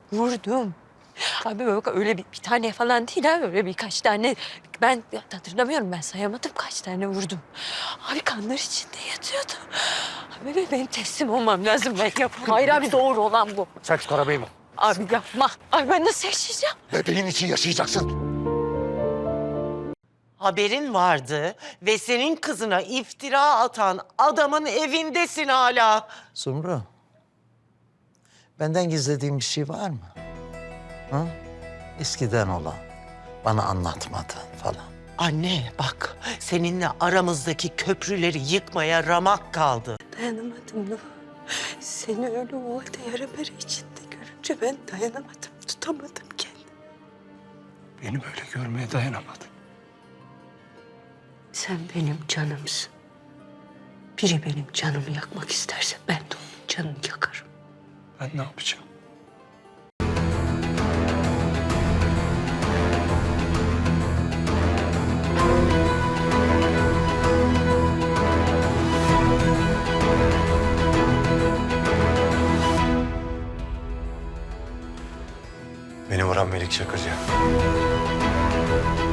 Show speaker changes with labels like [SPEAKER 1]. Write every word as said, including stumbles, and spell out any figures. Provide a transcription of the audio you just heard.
[SPEAKER 1] Vurdum. Abi bak öyle bir, bir tane falan değil abi. Öyle birkaç tane. Ben hatırlamıyorum, ben sayamadım kaç tane vurdum. Abi kanlar içinde yatıyordu. Abi benim teslim olmam lazım, ben yapamam. Hayır abi, doğru olan bu.
[SPEAKER 2] Sen çık arabayı mı?
[SPEAKER 1] Abi yapma. Abi ben nasıl yaşayacağım?
[SPEAKER 2] Bebeğin için yaşayacaksın.
[SPEAKER 3] Haberin vardı ve senin kızına iftira atan adamın evindesin hala.
[SPEAKER 4] Sumru, benden gizlediğin bir şey var mı? Ha? Eskiden olan, bana anlatmadığın falan.
[SPEAKER 3] Anne bak, seninle aramızdaki köprüleri yıkmaya ramak kaldı.
[SPEAKER 1] Dayanamadım Nuh. Seni öyle o halde yara bere içinde görünce ben dayanamadım. Tutamadım kendimi.
[SPEAKER 2] Beni böyle görmeye dayanamadım.
[SPEAKER 1] Sen benim canımsın. Biri benim canımı yakmak isterse ben de onun canını yakarım.
[SPEAKER 2] Ben ne yapacağım? Beni vuran Melik Çakırcı.